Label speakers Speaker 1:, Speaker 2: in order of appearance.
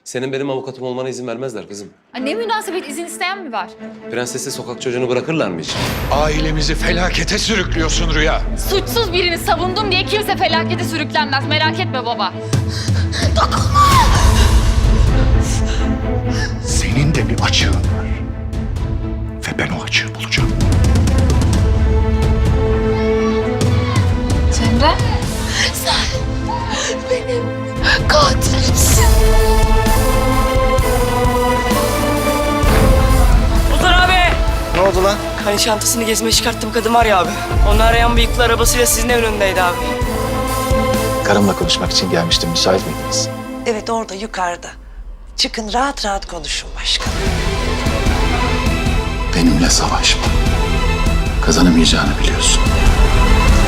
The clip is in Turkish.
Speaker 1: Senin benim avukatım olmana izin vermezler kızım.
Speaker 2: Ne münasebet, izin isteyen mi var?
Speaker 1: Prensesi sokak çocuğunu bırakırlar mı hiç?
Speaker 3: Ailemizi felakete sürüklüyorsun Rüya.
Speaker 2: Suçsuz birini savundum diye kimse felakete sürüklenmez. Merak etme baba.
Speaker 3: Senin de bir açığın var. Ve ben o açığı bulacağım.
Speaker 2: Cemre?
Speaker 4: Benim katilimsin.
Speaker 5: Ozan abi!
Speaker 6: Ne oldu lan?
Speaker 5: Hani çantasını gezmeye çıkarttım kadın var ya abi. Onu arayan bıyıklı arabasıyla sizin evin önündeydi abi.
Speaker 6: Karımla konuşmak için gelmiştim. Müsait miydiniz?
Speaker 4: Evet, orada yukarıda. Çıkın, rahat rahat konuşun başkanım.
Speaker 6: Benimle savaşma. Kazanamayacağını biliyorsun.